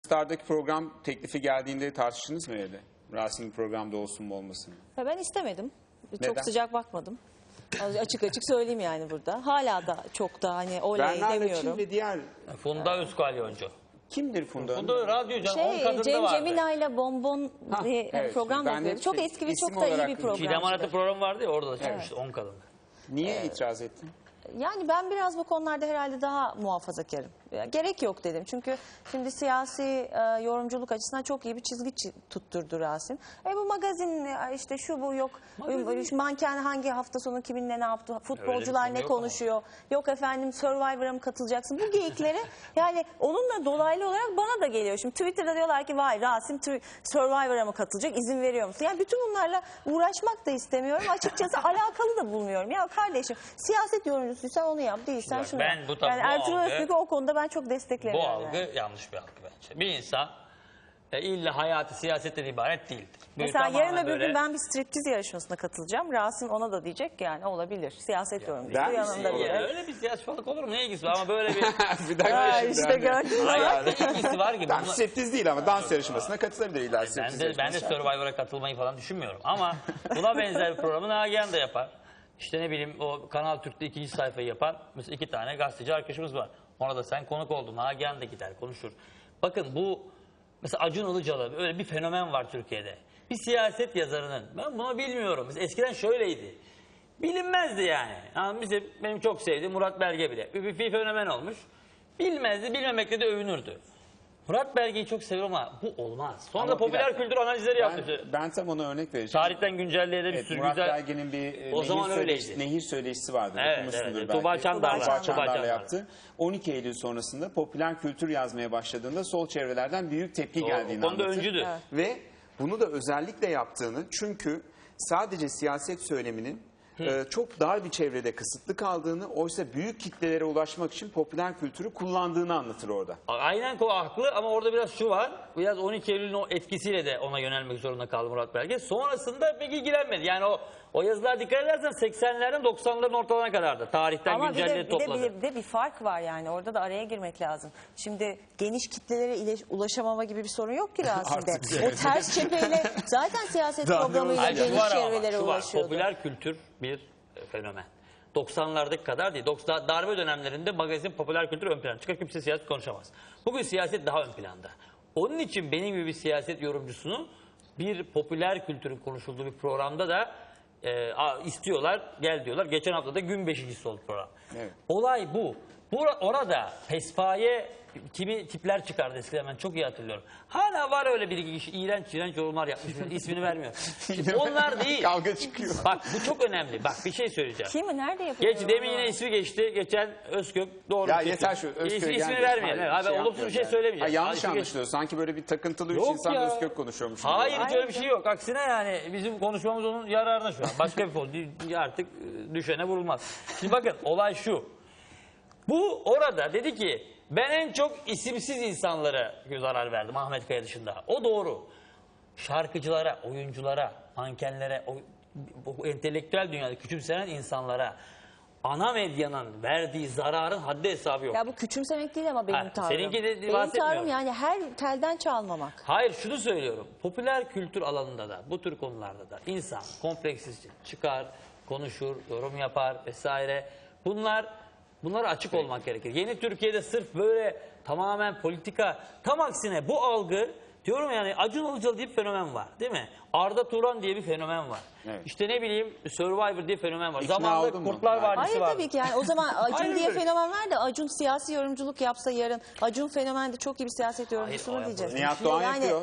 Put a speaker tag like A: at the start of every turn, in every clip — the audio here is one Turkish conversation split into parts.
A: Star'daki program teklifi geldiğinde tartıştınız mı evde? Rasim'in programda olsun mu olmasın mı?
B: Ya ben istemedim.
A: Neden?
B: Çok sıcak bakmadım. Açık açık söyleyeyim yani burada. Hala da çok da hani oley
A: Bernar'la
B: demiyorum.
A: Çin ve diğer...
C: Funda Özkalyoncu.
A: Kimdir Funda Hanım?
C: Funda radyo canım 10 kadında
B: Cem
C: vardı.
B: Cemila ile Bonbon diye
A: evet.
B: program
A: Ben
B: yapıyordu.
A: hep
B: Çok
A: şey,
B: eski ve
A: isim
B: çok da iyi
A: olarak
B: bir program.
C: Çiğdem Arat'ın programı vardı ya, orada da çıkmıştı 10 kadında.
A: Niye itiraz ettin?
B: Yani ben biraz bu konularda herhalde daha muhafazakarım. Gerek yok dedim. Çünkü şimdi siyasi yorumculuk açısından çok iyi bir çizgi tutturdu Rasim. Bu magazin işte şu bu yok. Şu manken hangi hafta sonu kiminle ne yaptı? Futbolcular ne konuşuyor? Yok efendim Survivor'a mı katılacaksın? Bu geyikleri yani onunla dolaylı olarak bana da geliyor. Şimdi Twitter'da diyorlar ki vay Rasim Survivor'a mı katılacak? İzin veriyor musun? Yani bütün bunlarla uğraşmak da istemiyorum. Açıkçası alakalı da bulmuyorum. Ya kardeşim siyaset yorumcusuysan onu yap. Değilsen şunu yap. Yani Ertuğrul Özbek'i o konuda ben çok desteklemiyorum.
C: Bu algı yani yanlış bir algı bence. Bir insan illa hayatı siyasetten ibaret değildir.
B: Mesela yarın öbür gün ben bir striptiz yarışmasına katılacağım. Rasim ona da diyecek ki yani olabilir. Siyaset yorumcusu yanında bile.
C: Öyle bir siyasetçilik olur mu? Ne ilgisi var ama böyle bir...
A: Bir dakika şimdi.
B: İşte gördün mü?
C: Hayır, ne ilgisi var ki?
A: Tam striptiz değil ama dans yarışmasına katılabilir illa striptiz
C: Ben de
A: yarışmasına.
C: Survivor'a katılmayı falan düşünmüyorum. Ama buna benzer bir programı Nagihan da yapar. İşte ne bileyim o Kanal Türk'te 2. sayfayı yapar. Mesela 2 tane gazeteci arkadaşımız var. Ona da sen konuk oldun. Nagihan da gider konuşur. Bakın bu mesela Acun Ilıcalı öyle bir fenomen var Türkiye'de. Bir siyaset yazarının. Ben bunu bilmiyorum. Mesela eskiden şöyleydi. Bilinmezdi yani. Mesela benim çok sevdiğim Murat Belge bile. Bir fenomen olmuş. Bilmezdi. Bilmemekle de övünürdü. Murat Belge'yi çok seviyorum ama bu olmaz. Sonra da popüler kültür analizleri yaptı.
A: Ben tam ona örnek vereceğim.
C: Tarihten güncelleye de bir sürü
A: Murat
C: güzel...
A: Belge'nin bir
C: O zaman
A: nehir söyleşisi vardı.
C: Evet,
A: Okumuşsundur
C: Tuğba
A: belki.
C: Çandar'la.
A: Tuğba Çandar'la yaptı. 12 Eylül sonrasında popüler kültür yazmaya başladığında sol çevrelerden büyük tepki geldiğini
C: O konuda
A: anlatır.
C: öncüdü.
B: Evet.
A: Ve bunu da özellikle yaptığını çünkü sadece siyaset söyleminin çok dar bir çevrede kısıtlı kaldığını, oysa büyük kitlelere ulaşmak için popüler kültürü kullandığını anlatır orada.
C: Aynen haklı ama orada biraz şu var. Biraz 12 Eylül'ün o etkisiyle de ona yönelmek zorunda kaldı Murat Belge. Sonrasında pek ilgilenmedi. Yani o yazılar dikkat edersen 80'lerden 90'ların ortalarına kadardı. Tarihten
B: Ama
C: güncelleye topladı.
B: bir de bir fark var yani. Orada da araya girmek lazım. Şimdi geniş kitlelere ulaşamama gibi bir sorun yok ki Rasim'de. O ters cepheyle zaten siyaset programıyla geniş çevrelere ulaşıyordu.
C: Popüler kültür bir fenomen. 90'lardaki kadar değil. Darbe dönemlerinde magazin popüler kültür ön plana çıkar. Kimse siyaset konuşamaz. Bugün siyaset daha ön planda. Onun için benim gibi bir siyaset yorumcusunu bir popüler kültürün konuşulduğu bir programda da istiyorlar, gel diyorlar. Geçen hafta da gün 5.'si oldu program.
A: Evet.
C: Olay bu. Orada pespaye kimi tipler çıkardı eskiden, ben çok iyi hatırlıyorum. Hala var öyle bir iki kişi iğrenç yorumlar yapmış. İsmini vermiyor. Onlar değil.
A: Kavga çıkıyor.
C: Bak bu çok önemli. Bak bir şey söyleyeceğim.
B: Kim nerede yapıyor?
C: Demin yine ismi geçti. Geçen Özkök doğru.
A: Ya yeter şu Özkök.
C: İsmini vermeyelim. Hayır, ben olumsuz bir şey söylemeyeceğim.
A: Yanlış anlaşılıyor. Sanki böyle bir takıntılı üç
C: Yok
A: insan
C: ya.
A: Özkök konuşuyormuş.
C: Hayır hiç öyle bir şey yok. Aksine yani bizim konuşmamız onun yararına şu an. Başka bir konu. Artık düşene vurulmaz. Şimdi bakın olay şu. Bu orada dedi ki ben en çok isimsiz insanlara zarar verdim Ahmet Kaya dışında. O doğru. Şarkıcılara, oyunculara, mankenlere, bu entelektüel dünyada küçümsenen insanlara ana medyanın verdiği zararın haddi hesabı yok.
B: Ya bu küçümsemek değil ama benim tavrım.
C: Seninki de
B: benim tavrım yani her telden çalmamak.
C: Hayır şunu söylüyorum. Popüler kültür alanında da bu tür konularda da insan kompleksiz çıkar, konuşur, yorum yapar vesaire. Bunlara açık olmak gerekir. Yeni Türkiye'de sırf böyle tamamen politika, tam aksine bu algı diyorum yani Acun Ilıcalı diye bir fenomen var değil mi? Arda Turan diye bir fenomen var. Evet. İşte ne bileyim Survivor diye fenomen var. Zamanında Kurtlar Vadisi
B: Hayır
C: var.
B: tabii ki yani o zaman Acun diye fenomen var da Acun siyasi yorumculuk yapsa yarın Acun fenomen de çok iyi bir siyaset yorumcusu mu diyeceğiz?
A: Nihat Doğan yapıyor.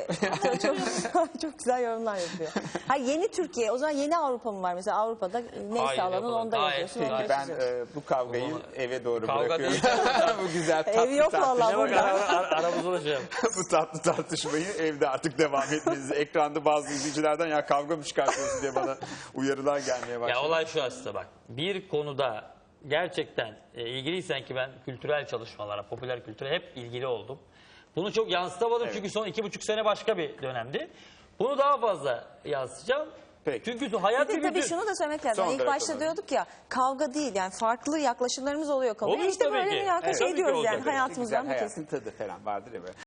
B: Çok güzel yorumlar yapıyor. Hayır yeni Türkiye o zaman yeni Avrupa mı var mesela Avrupa'da neyse alanın onda yapıyorsun.
A: Peki ben bu kavgayı eve doğru bırakıyorum. Bu güzel tatlı
B: Ev yok vallahi burada.
C: Aramızda ulaşacağım.
A: Bu tatlı tartışmayı evde artık devam etmenizi. Ekranda bazı izleyicilerden ya kavga mı çıkartıyorsun diye bana uyarılar gelmeye başladı.
C: Ya olay şu aslında bak. Bir konuda gerçekten ilgiliysen ki ben kültürel çalışmalara, popüler kültüre hep ilgili oldum. Bunu çok yansıtamadım çünkü son 2,5 sene başka bir dönemdi. Bunu daha fazla yansıtacağım.
A: Peki.
C: Çünkü hayat bir
B: Tabii şunu da söylemek lazım. İlk başta diyorduk ya kavga değil yani farklı yaklaşımlarımız oluyor konuya.
C: Olur
B: İşte
C: tabii
B: böyle
C: ki.
B: bir yaklaşım
C: Tabii ki
B: diyoruz
C: olacak.
B: yani hayatımızdan.
A: Hayatın tadı falan vardır ya böyle.